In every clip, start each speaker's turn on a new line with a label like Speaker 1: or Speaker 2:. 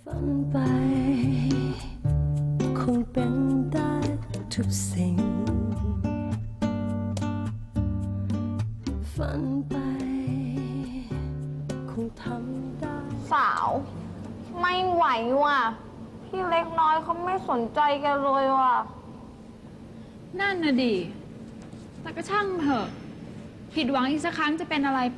Speaker 1: ฝันไปคงเป็นได้ทุกสิ่งฝันไปคงทำได้
Speaker 2: สาวไม่ไหวว่ะพี่เล็กน้อยเขาไม่สนใจแกันเลยว่ะ
Speaker 3: นั่นน่ะดิแต่ก็ช่างเถอะผิดหวังอีกสักครั้งจะเป็นอะไรไป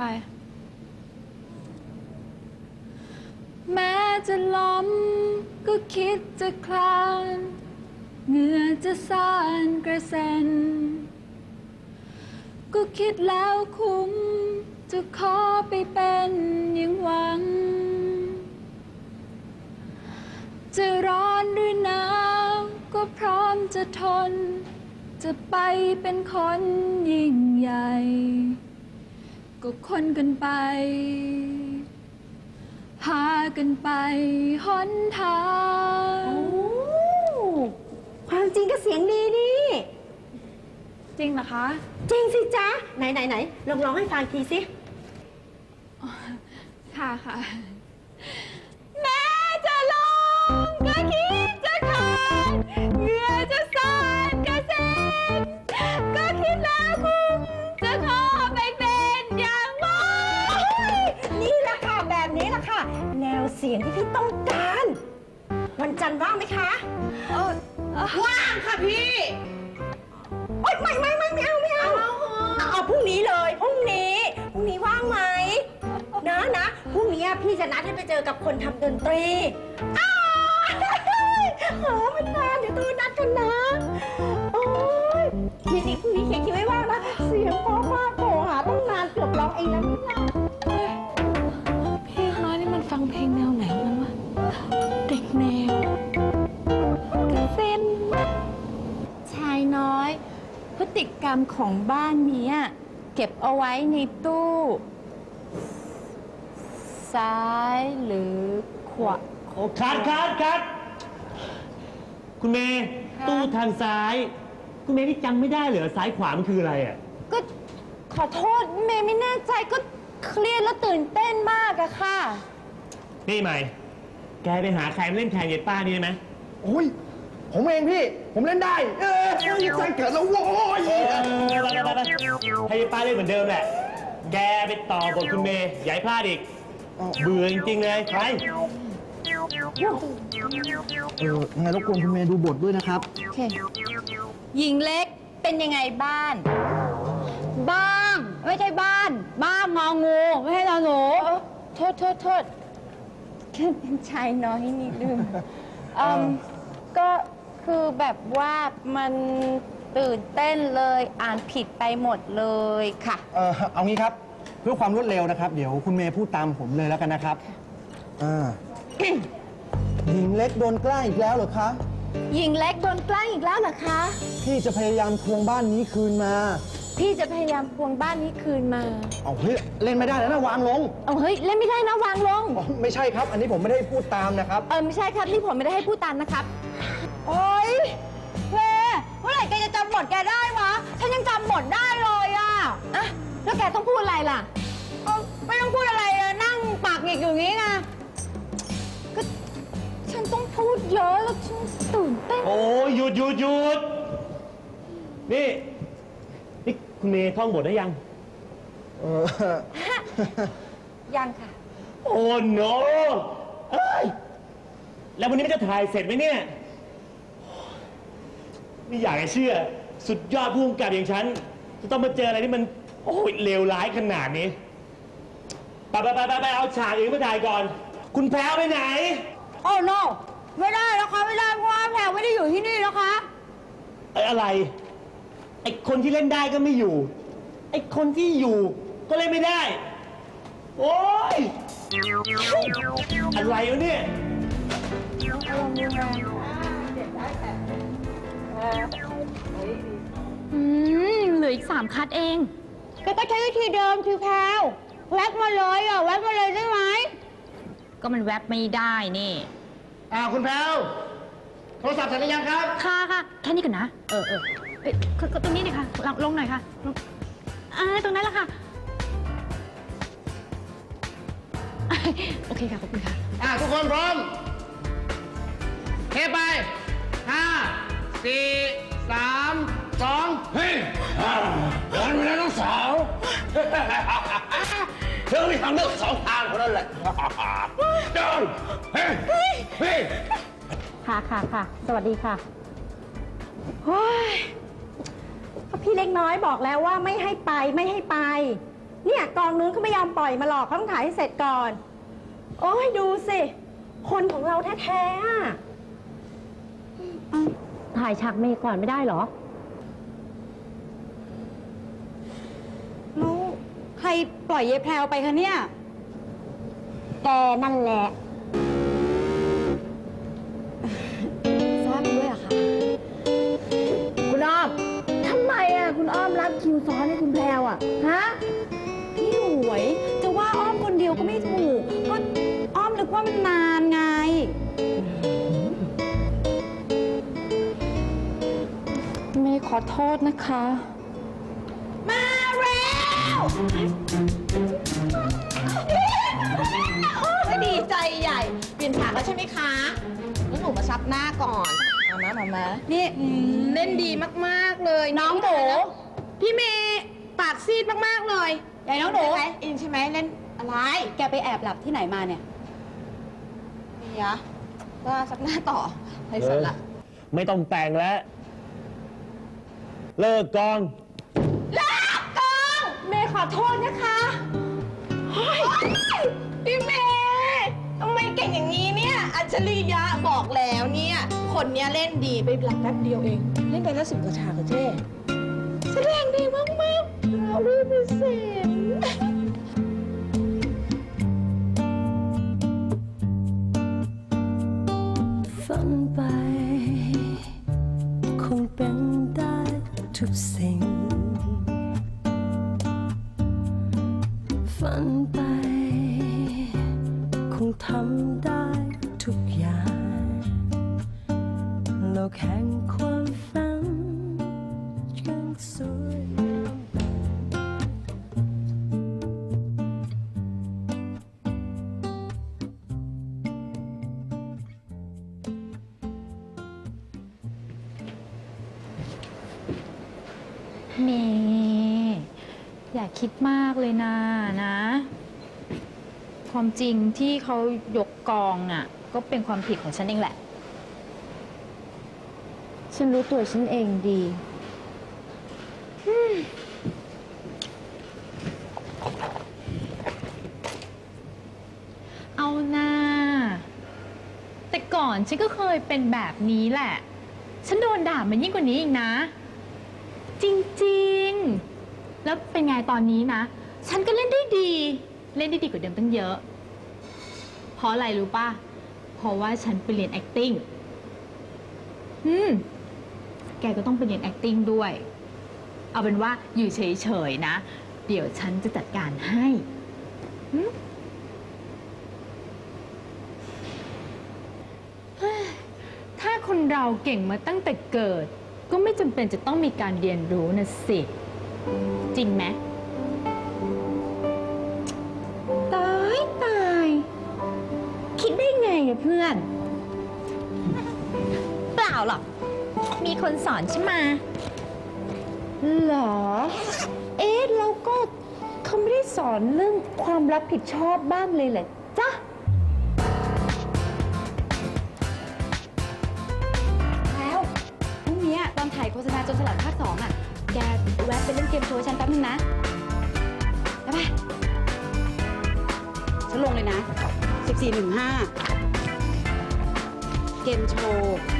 Speaker 3: แม้จะล้มก็คิดจะคลานเหงื่อจะซ่านกระเซ็นก็คิดแล้วคุ้มจะขอไปเป็นอย่างหวังจะร้อนหรือหนาวก็พร้อมจะทนจะไปเป็นคนยิ่งใหญ่ก็คนกันไปพากันไปหนทาง
Speaker 4: ความจริงก็เสียงดีนี่
Speaker 3: จริงเหรอคะ
Speaker 4: จริงสิจ๊ะไหนลองร้องให้ฟังทีสิ
Speaker 3: ค่ะค่ะแม้จะลงก็คิดจะขาดเหงื่อจะซ่านกระเซ็นก็คิดแล้วคุ้มจะขอไปเป็นอย่างหวัง
Speaker 4: นี่แหละค่ะแบบนี้แหละค่ะ แนวเสียงที่พี่ต้องการ วันจันทร์ว่างไหมคะว่างค่ะพี่โอ๊ยไม่เอาพรุ่งนี้เลยพรุ่งนี้ว่างไหมนะพรุ่งนี้พี่จะนัดให้ไปเจอกับคนทำดนตรีมันนานเดี๋ยวตัวนัดกันนะโอ้ยทีนี้พรุ่งนี้เขียนคิวไว้ว่างนะเสียงเพราะมากโทรหาต้องนานเกือบร้องเองนะนี่นะ
Speaker 3: เพลงน้อยนี่มันฟังเพลงแนวไหนมันวะเด็กแนวกระเซ็น
Speaker 4: ชายน้อยพฤติกรรมของบ้านนี้เก็บเอาไว้ในตู้ซ้ายหรือขวา
Speaker 5: โอ้คัดคุณเมย์ตู้ทางซ้าย คุณเมย์นี่จำไม่ได้เหรอซ้ายขวามันคืออะไรอ่ะ
Speaker 4: ก็ขอโทษเมย์ไม่แน่ใจก็เครียดแล้วตื่นเต้นมากอะค่ะ
Speaker 5: นี่ใหม่ แกไปหาใครมาเล่นแทนยายป้านี่ได้ไหม
Speaker 6: โอ้ยผมเองพี่ ผมเล่นได้ ใจเกิดแล้วโว้ย
Speaker 5: ไปให้ยายป้าเล่นเหมือนเดิมแหละ แกไปต่อบทคุณเมย์อย่าให้พลาดอีก เบื่อจริงๆเลยไป
Speaker 6: ยังไงรบกวนคุณเมย์ดูบทด้วยนะครับ
Speaker 4: โอเคหญิงเล็กเป็นยังไงบ้าน บ้างไม่ใช่บ้านบ้างงองูไม่ใช่นอหนูโทษแค่เป็นชายน้อยนิดนึงก็คือแบบว่ามันตื่นเต้นเลยอ่านผิดไปหมดเลยค่ะ
Speaker 6: เอางี้ครับ เพื่อความรวดเร็วนะครับ เดี๋ยวคุณเมย์พูดตามผมเลยแล้วกันนะครับหญิงเล็กโดนแกล้งอีกแล้วเหรอคะ
Speaker 4: หญิงเล็กโดนแกล้งอีกแล้วเหรอคะ
Speaker 6: พี่จะพยายามทวงบ้านนี้คืนมา
Speaker 4: พี่จะพยายามทวงบ้านนี้คืนมา
Speaker 6: เอาเฮ้ยเล่นไม่ได้แล้วนะวางลง
Speaker 4: เอาเฮ้ยเล่นไม่ได้นะวางลง
Speaker 6: อ๋อไม่ใช่ครับ อันนี้ผมไม่ได้พูดตามนะครับ
Speaker 4: ไม่ใช่ครับนี่ผมไม่ได้ให้พูดตามนะครับโอ๊ยเมื่อไหร่แกจะจำบทแกได้วะฉันยังจำบทได้เลยอะแล้วแกต้องพูดอะไรล่ะไม่ต้องพูดอะไรนั่งปากหงิกอยู่งี้ไงก็ฉันต้องพูดเยอะแล้วฉันตื่นเต้น
Speaker 5: โอ้ยหยุดนี่คุณเมย์ท่องบทได้ยัง
Speaker 4: ยังค่ะ
Speaker 5: โอ้โนเอ้ยแล้ววันนี้มันจะถ่ายเสร็จไหมเนี่ยไม่อยากจะเชื่อ สุดยอดผู้กำกับอย่างฉัน จะต้องมาเจออะไรที่มันโอ้ยเลวร้ายขนาดนี้ไปเอาฉากอื่นมาถ่ายก่อน คุณแพรวไปไหน
Speaker 4: โอ้ no ไม่ได้แล้วค่ะไม่ได้เพราะว่าแพรไม่ได้อยู่ที่นี่แล้วค่ะ
Speaker 5: อะไร ไอ้คนที่เล่นได้ก็ไม่อยู่ ไอ้คนที่อยู่ก็เล่นไม่ได้ โอ้ยอะไรวะเนี่ย
Speaker 3: เหลืออีก3 คัดเอง
Speaker 4: ก็ใช้วิธีเดิมคือแพรแวบมาเลยแวบมาเลยได้ไหม
Speaker 3: ก็มันแวบไม่ได้นี่
Speaker 6: คุณแพรวโทรศัพท์เสร็จหรือยังครับ
Speaker 3: ค่ะแค่นี้ก่อนนะเอ้ยตรงนี้หน่อยค่ะลงหน่อยค่ะลงตรงนั้นแหละค่ะ โอเคค่ะขอบคุณค่ะ
Speaker 6: ทุกคนพร้อมมีทางเลือกสองทางเท่านั้นแหละจอนเฮ้ยเฮ้ย
Speaker 1: ค่ะ สวัสดีค่ะโอ้ยก็พี่เล็กน้อยบอกแล้วว่าไม่ให้ไป เนี่ยกองนู้นเขาไม่ยอมปล่อยมาหรอกเขาต้องถ่ายให้เสร็จก่อน โอ้ยดูสิ คนของเราแท้ๆอะถ่ายฉากเมย์ก่อนไม่ได้เหรอ
Speaker 4: แล้วใครปล่อยเยายแพรวไปคะเนี่ย
Speaker 1: แกนั่นแหละ
Speaker 4: ทราบด้วยอะคะ
Speaker 1: คุณอ้อม ทำไมอ่ะ คุณอ้อมรับคิวซ้อนให้คุณแพรวอ่ะ ฮะ
Speaker 4: พี่หวย จะว่าอ้อมคนเดียวก็ไม่ถูก ก็อ้อมนึกว่ามันนานไง
Speaker 3: เมย์ขอโทษนะคะ
Speaker 4: มาแล้วดีใจใหญ่ เปลี่ยนฉากแล้วใช่ไหมคะแล้วหนูมาซับหน้าก่อนเอามานี่เล่นดีมากๆเลย น้องหนูพี่เมย์ปากซีดมากๆเลยใหญ่น้องหนูอินใช่ไหมเล่นอะไร แกไปแอบหลับที่ไหนมาเนี่ยนี่ยะว่าซับหน้าต่อไร้สาระ
Speaker 5: ไม่ต้องแต่งแล้ว เลิกกอง
Speaker 4: เมย์ขอโทษนะคะพี่เมย์ทำไมเก่งอย่างนี้เนี่ย อัญชลียะบอกแล้วเนี่ย คนเนี้ยเล่นดีไปหลักแป๊บเดียวเอง เล่นไปแล้ว10 กว่าฉากกับเจ้แสดงดีมากๆเราด้วยพิเศษ
Speaker 1: ฝันไป คงเป็นได้ทุกสิ่ง ฝันไป คงทำได้ทุกอย่างโลกแห่งความฝันยังสวยงาม
Speaker 3: เมย์อย่าคิดมากเลยนะ ความจริงที่เขายกกองอ่ะ ก็เป็นความผิดของฉันเองแหละ
Speaker 1: ฉันรู้ตัวฉันเองดี
Speaker 3: เอาหน้า แต่ก่อนฉันก็เคยเป็นแบบนี้แหละ ฉันโดนด่ามันยิ่งกว่านี้อีกนะ จริงๆ แล้วเป็นไงตอนนี้นะ ฉันก็เล่นได้ดี เล่นได้ดีกว่าเดิมตั้งเยอะ เพราะอะไรรู้ป่ะ เพราะว่าฉันไปเรียน acting แกก็ต้องไปเรียน acting ด้วย เอาเป็นว่าอยู่เฉยๆนะ เดี๋ยวฉันจะจัดการให้ถ้าคนเราเก่งมาตั้งแต่เกิด ก็ไม่จำเป็นจะต้องมีการเรียนรู้นะสิ จริงไหม
Speaker 1: ตาย คิดได้ไงอะเพื่อน
Speaker 3: เปล่าหรอก มีคนสอนใช่ไหม
Speaker 1: เหรอ เอ๊ะแล้วก็เขาไม่ได้สอนเรื่องความรับผิดชอบบ้างเลยเหรอจ๊ะ
Speaker 4: แล้วพรุ่งนี้ตอนถ่ายโฆษณาจนสลัดภาค 2อ่ะ แกแวะไปเล่นเกมโชว์ฉันแป๊บนึงนะได้ปะฉันลงเลยนะ 1415 เกมโชว์